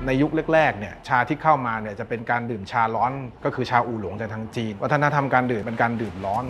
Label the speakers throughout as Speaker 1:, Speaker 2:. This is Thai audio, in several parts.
Speaker 1: ในยุคแรกๆเนี่ยชาที่เข้ามาเนี่ยจะเป็นการดื่มชาร้อนก็คือชาอู่หลงจากทางจีนวัฒนธรรมการดื่มเป็นการดื่มร้อน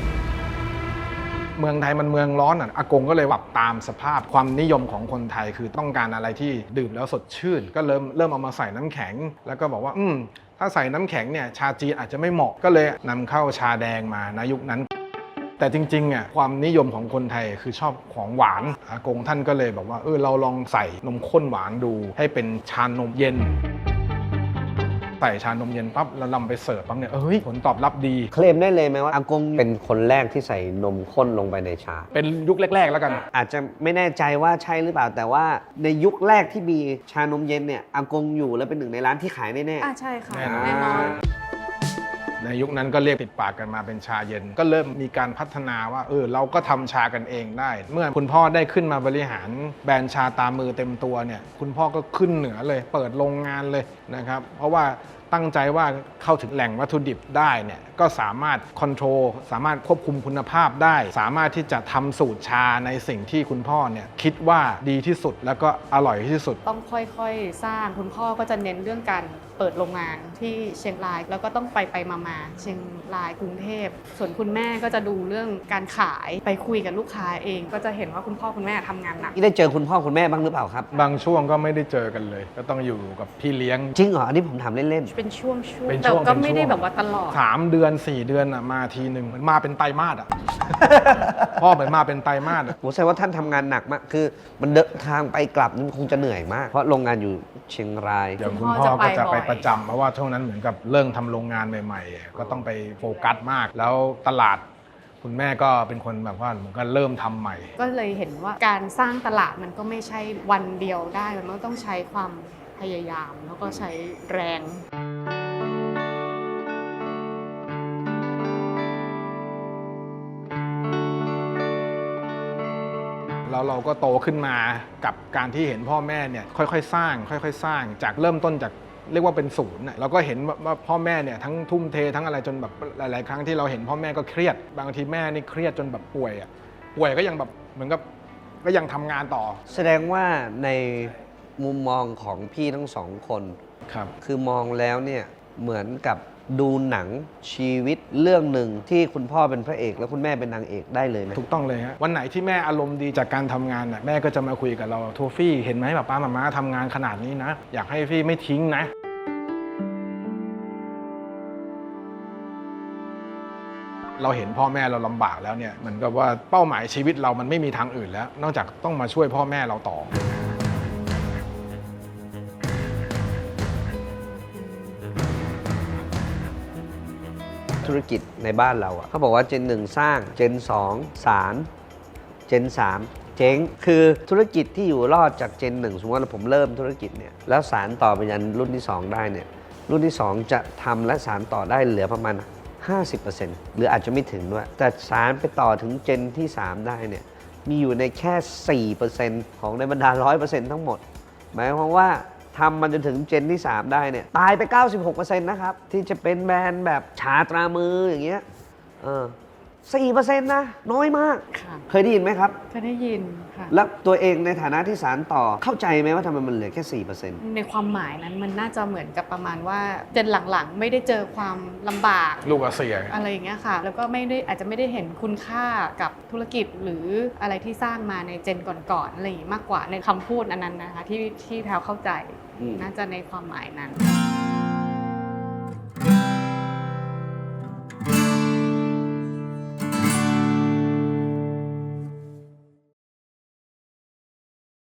Speaker 1: เมืองไทยมันเมืองร้อนอ่ะอากงก็เลยปรับตามสภาพความนิยมของคนไทยคือต้องการอะไรที่ดื่มแล้วสดชื่นก็เริ่มเอามาใส่น้ำแข็งแล้วก็บอกว่าถ้าใส่น้ำแข็งเนี่ยชาจีนอาจจะไม่เหมาะก็เลยนำเข้าชาแดงมาในยุคนั้นแต่จริงๆอ่ะความนิยมของคนไทยคือชอบของหวานอากงท่านก็เลยบอกว่าเราลองใส่นมข้นหวานดูให้เป็นชานมเย็นใส่ชานมเย็นปั๊บแล้วนำไปเสิร์ฟปั๊บเนี่ยผลตอบรับดี
Speaker 2: เคลมได้เลยไหมว่าอากงเป็นคนแรกที่ใส่นมข้นลงไปในชา
Speaker 1: เป็นยุคแรกๆแล้วกัน
Speaker 2: อาจจะไม่แน่ใจว่าใช่หรือเปล่าแต่ว่าในยุคแรกที่มีชานมเย็นเนี่ยอากงอยู่และเป็นหนึ่งในร้านที่ขายแน่
Speaker 3: ๆใช่ค่ะแน่นอน
Speaker 1: ในยุคนั้นก็เรียกติดปากกันมาเป็นชาเย็นก็เริ่มมีการพัฒนาว่าเราก็ทำชากันเองได้เมื่อคุณพ่อได้ขึ้นมาบริหารแบรนด์ชาตามมือเต็มตัวเนี่ยคุณพ่อก็ขึ้นเหนือเลยเปิดโรงงานเลยนะครับเพราะว่าตั้งใจว่าเข้าถึงแหล่งวัตถุดิบได้เนี่ยก็สามารถคอนโทรลสามารถควบคุมคุณภาพได้สามารถที่จะทำสูตรชาในสิ่งที่คุณพ่อเนี่ยคิดว่าดีที่สุดแล้วก็อร่อยที่สุด
Speaker 3: ต้องค่อยๆสร้างคุณพ่อก็จะเน้นเรื่องการเปิดโรงงานที่เชียงรายแล้วก็ต้องไปมาเชียงรายกรุงเทพส่วนคุณแม่ก็จะดูเรื่องการขายไปคุยกับลูกค้าเองก็จะเห็นว่าคุณพ่อคุณแม่ทำงานหนัก
Speaker 2: ได้เจอคุณพ่อคุณแม่บ้างหรือเปล่าครับ
Speaker 1: บางช่วงก็ไม่ได้เจอกันเลยก็ต้องอยู่กับพี่เลี้ยง
Speaker 2: จริงเหรออันนี้ผมถามเล่น
Speaker 3: ๆเป็นช่วงแต่ก็ไม่ได้แบบว่าตลอด
Speaker 1: 3 เดือน 4 เดือนมาทีหนึ่งเหมือนมาเป็นไตรมาสพ่อเหมือนมาเป็นไตรมาส
Speaker 2: ผมแสดงว่าท่านทำงานหนักมากคือมันเดินทางไปกลับมันคงจะเหนื่อยมากเพราะโรงงานอยู่เชียงราย
Speaker 1: อย่างคุณพ่อก็จะไปประจำเพราะว่าช่วงนั้นเหมือนกับเริ่มทำโรงงานใหม่ๆก็ต้องไปโฟกัสมากแล้วตลาดคุณแม่ก็เป็นคนแบบว่าเหมือนกันเริ่มทำใหม่
Speaker 3: ก็เลยเห็นว่าการสร้างตลาดมันก็ไม่ใช่วันเดียวได้มันก็ต้องใช้ความพยายามแล้วก็ใช้แรง
Speaker 1: แล้วเราก็โตขึ้นมากับการที่เห็นพ่อแม่เนี่ยค่อยๆสร้างจากเริ่มต้นจากเรียกว่าเป็นศูนย์เราก็เห็นว่าพ่อแม่เนี่ยทั้งทุ่มเททั้งอะไรจนแบบหลายๆครั้งที่เราเห็นพ่อแม่ก็เครียดบางทีแม่นี่เครียดจนแบบป่วยก็ยังแบบเหมือนกับก็ยังทำงานต่อ
Speaker 2: แสดงว่าในมุมมองของพี่ทั้งสองคนคือมองแล้วเนี่ยเหมือนกับดูหนังชีวิตเรื่องหนึ่งที่คุณพ่อเป็นพระเอกแล้วคุณแม่เป็นนางเอกได้เลยไหม
Speaker 1: ถูกต้องเลยฮะวันไหนที่แม่อารมณ์ดีจากการทำงานน่ะแม่ก็จะมาคุยกับเราโทฟี่เห็นไหมป้ามาทำงานขนาดนี้นะอยากให้พี่ไม่ทิ้งนะเราเห็นพ่อแม่เราลำบากแล้วเนี่ยเหมือนกับว่าเป้าหมายชีวิตเรามันไม่มีทางอื่นแล้วนอกจากต้องมาช่วยพ่อแม่เราต่อ
Speaker 2: ธุรกิจในบ้านเราเขาบอกว่าเจน 1 สร้างเจน 2 สารเจน 3 เจ๊งคือธุรกิจที่อยู่รอดจากเจน 1สมมติว่าผมเริ่มธุรกิจเนี่ยแล้วสารต่อไปยันรุ่นที่2ได้เนี่ยรุ่นที่2จะทำและสารต่อได้เหลือประมาณ 50% หรืออาจจะไม่ถึงด้วยแต่สารไปต่อถึงเจนที่3ได้เนี่ยมีอยู่ในแค่ 4% ของในบรรดา 100% ทั้งหมดหมายความว่าทำมันจนถึงเจนที่ 3 ได้เนี่ยตายไป 96% นะครับที่จะเป็นแบรนด์แบบชาตรามืออย่างเงี้ย4% นะน้อยมากเคยได้ยินไหมครับ
Speaker 3: เคยได้ยินค่ะ
Speaker 2: แล้วตัวเองในฐานะที่สารต่อเข้าใจไหมว่าทำไมมันเหลือแค่ 4%
Speaker 3: ในความหมายนั้นมันน่าจะเหมือนกับประมาณว่าเจนหลังๆไม่ได้เจอความลำบาก
Speaker 1: ลูกเสีย
Speaker 3: อะไรอย่างเงี้ยค่ะแล้วก็อาจจะไม่ได้เห็นคุณค่ากับธุรกิจหรืออะไรที่สร้างมาในเจนก่อนๆอะไรอย่างมากกว่าในคำพูดอันนั้นนะคะที่แพรวเข้าใจน่าจะในความหมายนั้น